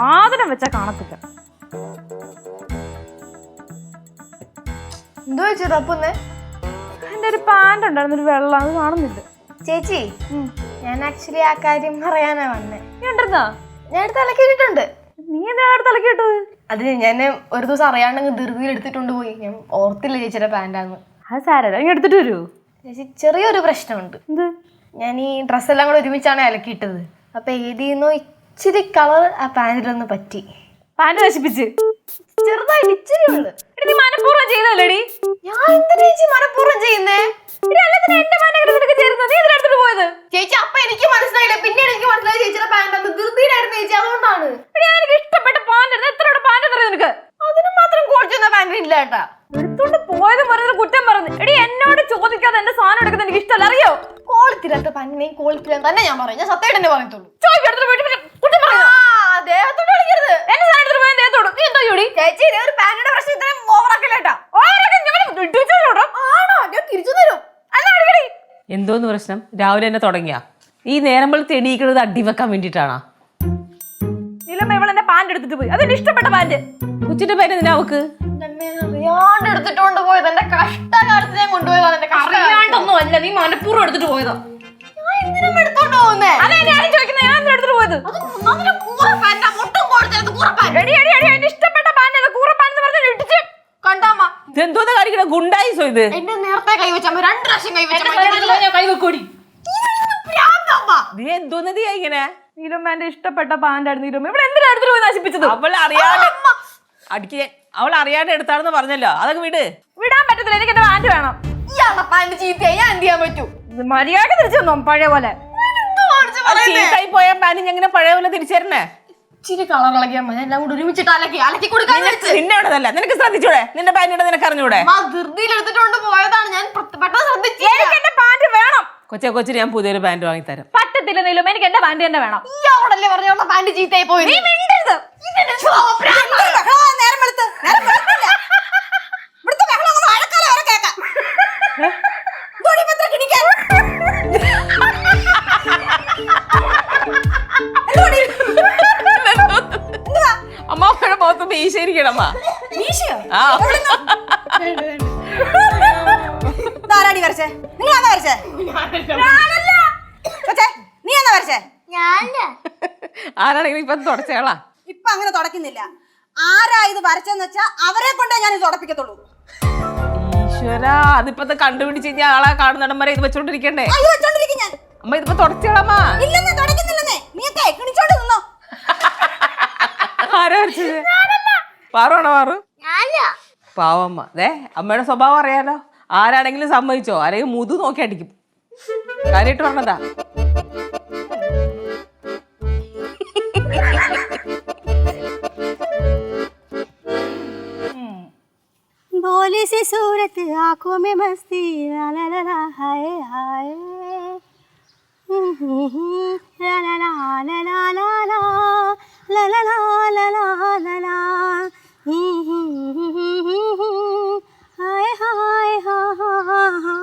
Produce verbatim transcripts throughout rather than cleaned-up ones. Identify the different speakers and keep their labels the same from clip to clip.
Speaker 1: സാധനം വെച്ചാ കാണത്തില്ല.
Speaker 2: എന്തോ ചേച്ചി തപ്പുന്നേ?
Speaker 1: എന്റെ ഒരു പാന്റ് ഉണ്ടായിരുന്നു, ഒരു വെള്ളം, അത് കാണുന്നില്ല.
Speaker 2: ചേച്ചി ഞാൻ ആക്ച്വലി ആ കാര്യം പറയാനാ വന്നേ.
Speaker 1: നീ ഉണ്ടെന്നാ?
Speaker 2: ഞാൻ എടുത്ത് അലക്കിയിട്ടുണ്ട്.
Speaker 1: നീ എന്താ അടുത്ത് അലക്കിയിട്ടത്?
Speaker 2: അത് ഞാൻ ഒരു ദിവസം അറിയാണ്ടെങ്കിൽ ധൃതിയിൽ എടുത്തിട്ടുണ്ട് പോയി. ഞാൻ ഓർത്തില്ല ചേച്ചിയുടെ പാന്റാന്ന്.
Speaker 1: അത് സാരല്ല, നീ എടുത്തിട്ട് വരൂ.
Speaker 2: ചേച്ചി ചെറിയൊരു പ്രശ്നമുണ്ട്.
Speaker 1: എന്ത്?
Speaker 2: ഞാൻ ഈ ഡ്രസ്സെല്ലാം കൂടെ ഒരുമിച്ചാണ് അലക്കിയിട്ടത്. അപ്പൊ ഏതിന്നോ ഇച്ചിരി കളർ ആ പാന്റിലൊന്ന് പറ്റി.
Speaker 1: പാന്റ് നശിപ്പിച്ച്?
Speaker 2: ചെറുതായിട്ട് ഇച്ചിരി ഉണ്ട്.
Speaker 1: നീ മനഃപൂർവ്വം ചെയ്തല്ലേടി?
Speaker 2: ഞാൻ എന്തിനാ ചേച്ചി മനഃപൂർവ്വം ചെയ്യുന്നേ?
Speaker 1: എന്റെ പാന്റ് ചേരുന്നത് നീ ഇതിലെടുത്തിട്ട് പോയത്?
Speaker 2: ചേച്ചി അപ്പൊ എനിക്ക് മനസ്സിലായില്ല, പിന്നീട് എനിക്ക് മനസ്സിലായി ചേച്ചിയുടെ പാന്റ് അത് ധൃതിയിലായിരുന്നു ചേച്ചി, അതുകൊണ്ടാണ്.
Speaker 1: എനിക്ക് ഇഷ്ടപ്പെട്ട പാന്റ്. എത്ര പാന്റ് അറിയാം നിനക്ക്?
Speaker 2: അതിന് മാത്രം കോഴിച്ചൊന്ന പാന്റ് ഇല്ല കേട്ടാ.
Speaker 1: എടുത്തോണ്ട് പോയത് പറഞ്ഞത് കുറ്റം പറഞ്ഞു. എടി എന്നോട് ചോദിക്കാതെ എന്റെ സാധനം എടുക്കുന്നത് എനിക്ക് ഇഷ്ടമല്ല, അറിയോ?
Speaker 2: ക്വാളിറ്റിയില്ലാത്ത പാന്റിനെയും ക്വാളിറ്റിയില്ലാത്ത തന്നെ ഞാൻ പറയും. ഞാൻ സത്യമായിട്ട് തന്നെ പറയത്തുള്ളൂ. ചേച്ചി ഒരു പാന്റിന്റെ പ്രശ്നം ഇത്രയും ഓവറാക്കല്ലേട്ടാ. ആണോ? ഞാൻ തിരിച്ചു തരും.
Speaker 3: എന്തോന്ന് പ്രശ്നം? രാവിലെ തന്നെ തുടങ്ങിയ ഈ നേരം വെളുത്ത് എണീക്കുന്നത് അടി വെക്കാൻ വേണ്ടിട്ടാണോ?
Speaker 1: ഇവളെന്റെ പാന്റ് എടുത്തിട്ട് പോയി. അതെന്റെ ഇഷ്ടപ്പെട്ട പാന്റ്.
Speaker 3: കൊച്ചിന്റെ പേര് എന്തിനാ അവക്ക്?
Speaker 2: അറിയാണ്ട് എടുത്തിട്ടുണ്ട് പോയത്. എന്റെ കഷ്ടകാലത്ത് ഞാൻ കൊണ്ടുപോയതാണ്. എന്റെ
Speaker 1: അറിയാണ്ടൊന്നും അല്ല, നീ മനഃപൂർവ്വം എടുത്തിട്ട് പോയതാ.
Speaker 2: ഞാൻ എന്തിനും എടുത്തോണ്ട് പോകുന്നേ?
Speaker 1: അതെ ഞാൻ ചോദിക്കുന്നത്, ഞാൻ എടുത്തിട്ട് പോയത്. ഇഷ്ടപ്പെട്ട പാന്റ് കൂറ പാന്റ് പറഞ്ഞ ഇടിച്ച് കണ്ടാമ്മ.
Speaker 3: ഇതെന്തോന്ന് കാണിക്കണ ഗുണ്ടായിസോ ഇത്?
Speaker 2: എന്റെ നേരത്തെ കൈവച്ചാ രണ്ട് പ്രാവശ്യം
Speaker 1: കൈവെക്കോടി.
Speaker 3: നീ എന്തോന്നതിയാ ഇങ്ങനെ?
Speaker 1: നീലമ്മന്റെ ഇഷ്ടപ്പെട്ട പാന്റായിരുന്നു നീലമ്മ. ഇവിടെ എന്തിനാ എടുത്തിട്ട് പോയി നശിപ്പിച്ചത്?
Speaker 3: അവൾ അറിയാതെ അടിക്ക് അവൾ അറിയാതെ എടുത്താണെന്ന് പറഞ്ഞല്ലോ, അതൊക്കെ വിട്.
Speaker 1: വിടാൻ പറ്റത്തില്ല, എനിക്ക് എന്റെ പാന്റ് വേണം.
Speaker 2: ഇയാളുടെ പാന്റ് ചീത്തയായി ഞാൻ എന്ത് ചെയ്യാൻ പറ്റൂ?
Speaker 1: മര്യാദ തിരിച്ചു തന്നോ പഴയ പോലെ?
Speaker 3: ചീത്തായി പോയ പാന്റ് എങ്ങനെ പഴയ പോലെ തിരിച്ചേരണേ?
Speaker 2: ഇച്ചിരി കളർ ഇളകിയാൽ മതി, എല്ലാം കൂടി ഒരുമിച്ചിട്ട് അലക്കി അലക്കി കൊടുക്കാൻ.
Speaker 3: നിന്നെ ഇടതല്ല, നിനക്ക് ശ്രദ്ധിച്ചൂടെ? നിന്റെ പാന്റ് ഇട നിനക്ക് അറിഞ്ഞൂടെ?
Speaker 2: ധൃതിയിൽ എടുത്തിട്ടുണ്ട് പോയതാണ്, ഞാൻ പെട്ടെന്ന് ശ്രദ്ധിച്ചു.
Speaker 1: എനിക്ക് എന്റെ പാന്റ് വേണം.
Speaker 3: കൊച്ചെ കൊച്ചിന് ഞാൻ പുതിയൊരു പാന്റ് വാങ്ങി തരാം.
Speaker 1: പറ്റത്തില്ല നീലും, എനിക്ക് എന്റെ പാന്റ് തന്നെ വേണം.
Speaker 2: ഇയാളോടല്ലേ പറഞ്ഞ പാന്റ് ചീത്തയായി പോയി.
Speaker 1: നീ മിണ്ടരുത്.
Speaker 3: അമ്മയുടെ മുഖത്ത് മീശയിരിക്കണമ്മ. ആരാണെങ്കിലും ഇപ്പൊ തുടച്ചേളാ.
Speaker 4: ഇപ്പൊ അങ്ങനെ തുടക്കുന്നില്ല. ആരാ ഇത് വരച്ചെന്ന് വെച്ചാ അവരെ കൊണ്ടേ ഞാൻ ഇത് തുടപ്പിക്കത്തുള്ളൂ.
Speaker 3: ഈശ്വരാ, അതിപ്പത്തെ കണ്ടുപിടിച്ച് കഴിഞ്ഞാൽ ആളെ കാണുന്നിടം വരെ ഇത് വെച്ചോണ്ടിരിക്കണ്ടേ?
Speaker 4: ഞാൻ
Speaker 3: അമ്മ ഇതിപ്പോ തുടച്ചേളാമ്മ.
Speaker 4: ഇല്ലെന്നേ, തുടക്കുന്നില്ലെന്നേ. നീയൊക്കെ എണിച്ചോണ്ട് നിന്നോ.
Speaker 3: ആരാ വരച്ചത്? പാറുവാണോ? പാറു പാവമ്മ. ദേ അമ്മയുടെ സ്വഭാവം അറിയാലോ. ആരാണെങ്കിലും സമ്മതിച്ചോ, ആരെങ്കിലും മുതു നോക്കി അടിക്കും. കാര്യമായിട്ട് പറഞ്ഞതാ.
Speaker 4: भोली सी सूरत आंखों में मस्ती ला ला ला ला हाय हाय ला ला ला ला ला ला ला ला ला ला ला ला ला हाय हाय हा हा हा.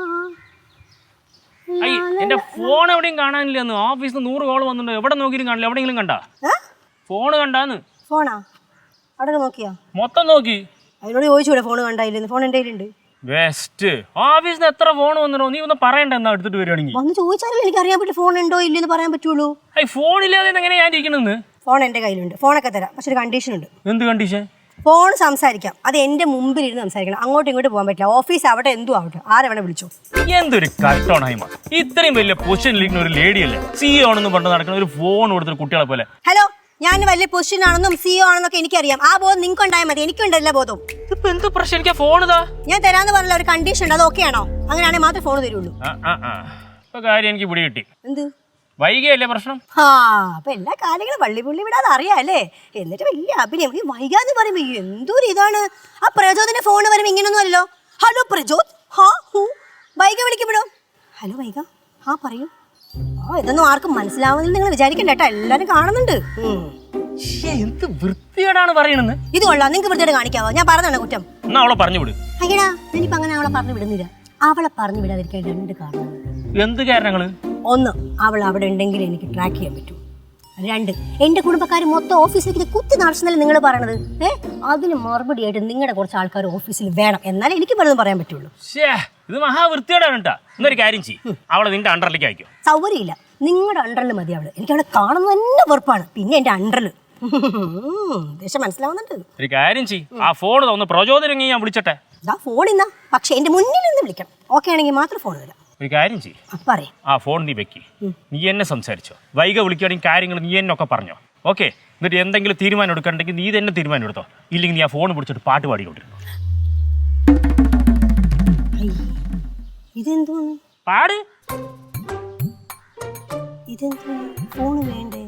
Speaker 5: എന്റെ ഫോൺ എവിടെയും കാണാനില്ലെന്ന്. ഓഫീസിൽ നിന്ന് നൂറ് കോൾ വന്നിട്ടുണ്ട്, എവിടെ നോക്കിയും കാണില്ല. എവിടെയെങ്കിലും കണ്ടാ? ഫോണ് കണ്ടാന്ന്.
Speaker 4: ഫോണാ? അവിടെ നോക്കിയാ?
Speaker 5: മൊത്തം നോക്കി.
Speaker 4: അതിനോട് ചോദിച്ചൂടെ ഫോൺ കണ്ടായില്ലെന്ന്? ഫോൺ എൻ്റെ കയ്യിലുണ്ട്.
Speaker 5: ബെസ്റ്റ്. ഓഫീസിൽ നിന്ന് എത്ര ഫോൺ വന്നിട്ടോ? നീ ഒന്ന് പറയണ്ട എന്നാ എടുത്തിട്ട് വരികയാണെങ്കിൽ.
Speaker 4: വന്ന് ചോദിച്ചാലല്ലേ എനിക്ക് അറിയാൻ പറ്റും ഫോൺ ഉണ്ടോ ഇല്ലെന്ന് പറയാൻ പറ്റുള്ളൂ.
Speaker 5: ഐ ഫോണില്ലാതെ എങ്ങനെയാ ഞാൻ ഇരിക്കണെന്ന്?
Speaker 4: ഫോൺ എൻ്റെ കയ്യിലുണ്ട്, ഫോണൊക്കെ തരാം. പക്ഷെ ഒരു കണ്ടീഷൻ ഉണ്ട്.
Speaker 5: എന്ത് കണ്ടീഷൻ?
Speaker 4: ഫോൺ സംസാരിക്കാം, അത് എൻ്റെ മുമ്പിൽ ഇരുന്ന് സംസാരിക്കണം. അങ്ങോട്ടും ഇങ്ങോട്ട് പോകാൻ പറ്റില്ല. ഓഫീസ് അവിടെ എന്തും ആവട്ടെ, ആരെവിടെ വിളിച്ചോ.
Speaker 5: എന്തൊരു കട്ടോണായ്മ. ഇത്രയും വലിയ പൊസിഷനിലിരിക്കുന്ന ഒരു ലേഡിയല്ലേ സിഇഒ ആണെന്ന് പറഞ്ഞ് നടക്കുന്ന ഒരു ഫോൺ കൊടുത്തൊരു കുട്ടികളെ പോലെ.
Speaker 4: ഹലോ, ഞാൻ വലിയ പൊസിഷൻ ആണെന്നും സിഇഒ ആണെന്നൊക്കെ എനിക്കറിയാം. ആ ബോധം നിങ്ങൾക്ക് ഉണ്ടായാൽ മതി, എനിക്കുണ്ടല്ല ബോധം.
Speaker 5: ഇപ്പൊ എന്ത് പ്രശ്നം? എനിക്ക് ഫോൺ ഇതാ
Speaker 4: ഞാൻ തരാന്ന് പറഞ്ഞ ഒരു കണ്ടീഷൻ ഉണ്ട്, അത് ഓക്കെ ആണോ? അങ്ങനെയാണെങ്കിൽ മാത്രമേ ഫോൺ തരുള്ളൂ.
Speaker 5: ഇപ്പൊ കാര്യം എനിക്ക് പിടി കിട്ടി.
Speaker 4: എന്ത്
Speaker 5: വൈകിയല്ലേ പ്രശ്നം?
Speaker 4: ആ അപ്പൊ എല്ലാ കാര്യങ്ങളും വള്ളി പുള്ളി വിടാതെ അറിയാല്ലേ. എന്നിട്ട് വലിയ അഭിനയം. ഈ വൈകാന്ന് പറയുമ്പോ എന്തൊരു ഇതാണ്. ആ പ്രചോദന ഫോൺ വരുമ്പോ ഇങ്ങനൊന്നും അല്ലല്ലോ. ഹലോ പ്രചോദ്, ഹാ ഹൂ വൈക വിളിക്കപ്പെടോ. ഹലോ വൈക, ആ പറയൂ. ആ ഇതൊന്നും ആർക്കും മനസ്സിലാവുന്നില്ല നിങ്ങൾ വിചാരിക്കണ്ട കേട്ടോ, എല്ലാരും കാണുന്നുണ്ട്.
Speaker 5: എന്ത് വൃത്തിയോടാണ് പറയണെന്ന്.
Speaker 4: ഇത് കൊള്ളാം, നിങ്ങൾക്ക് വൃത്തിയോട് കാണിക്കാവോ? ഞാൻ പറഞ്ഞാണ് കുറ്റം.
Speaker 5: എന്നാ അവളെ പറഞ്ഞു വിട്.
Speaker 4: അയ്യടാ, ഞാനിപ്പോ അങ്ങനെ അവളെ പറഞ്ഞു വിടുന്നില്ല. അവളെ പറഞ്ഞു വിടാതിരിക്കാൻ രണ്ട് കാരണങ്ങൾ.
Speaker 5: എന്ത് കാരണങ്ങള്?
Speaker 4: ഒന്ന്, അവൾ അവിടെ ഉണ്ടെങ്കിൽ എനിക്ക് ട്രാക്ക് ചെയ്യാൻ പറ്റും. രണ്ട് എന്റെ കുടുംബക്കാർ മൊത്തം ഓഫീസിലേക്ക് കുത്തി നടത്തുന്നല്ലേ നിങ്ങൾ പറയണത്. ഏ അതിന് മറുപടി ആയിട്ട് നിങ്ങളുടെ കുറച്ച് ആൾക്കാർ ഓഫീസിൽ വേണം, എന്നാലേ എനിക്ക് പലതും പറയാൻ പറ്റുള്ളൂ.
Speaker 5: ശ്ശേ, ഇത് മഹാവൃത്തിയോടാണ് കേട്ടാ. എന്നൊരു കാര്യം ചെയ്യും, അവളെ നിന്റെ അണ്ടറിലേക്ക് അയക്കും.
Speaker 4: സൗകര്യമില്ല, നിങ്ങളുടെ അണ്ടറിൽ മതി അവള്. എനിക്ക് അവളെ കാണുന്നത് തന്നെ വെറുപ്പാണ്. പിന്നെ എന്റെ അണ്ടറിൽ ദേശം മനസ്സിലാവുന്നുണ്ട്.
Speaker 5: ഒരു കാര്യം ചെയ്യും, ആ ഫോൺ തോന്നുന്നു പ്രചോദനം ഞാൻ വിളിച്ചട്ടെ.
Speaker 4: ഇതാ ഫോൺ ഇന്നാ, പക്ഷെ എന്റെ മുന്നിൽ നിന്ന് വിളിക്കണം. ഓക്കെ ആണെങ്കിൽ മാത്രം ഫോൺ തരാം.
Speaker 5: ഒരു കാര്യം ചെയ്യും,
Speaker 4: പറയും
Speaker 5: ആ ഫോൺ നീ വെക്കി, നീ എന്നെ സംസാരിച്ചോ. വൈക വിളിക്കുകയാണെങ്കിൽ കാര്യങ്ങൾ നീ എന്നൊക്കെ പറഞ്ഞോ. ഓക്കെ, എന്നിട്ട് എന്തെങ്കിലും തീരുമാനം എടുക്കണമെങ്കിൽ നീ തന്നെ തീരുമാനം എടുത്തോ. ഇല്ലെങ്കിൽ നീ ആ ഫോൺ പിടിച്ചിട്ട് പാട്ട് പാടിക്കൊണ്ടിരുന്നു.
Speaker 4: ഇതെന്തോന്ന്
Speaker 5: പാട്.
Speaker 4: ഇതെന്തോന്ന് ഫോൺ വേണ്ടേ?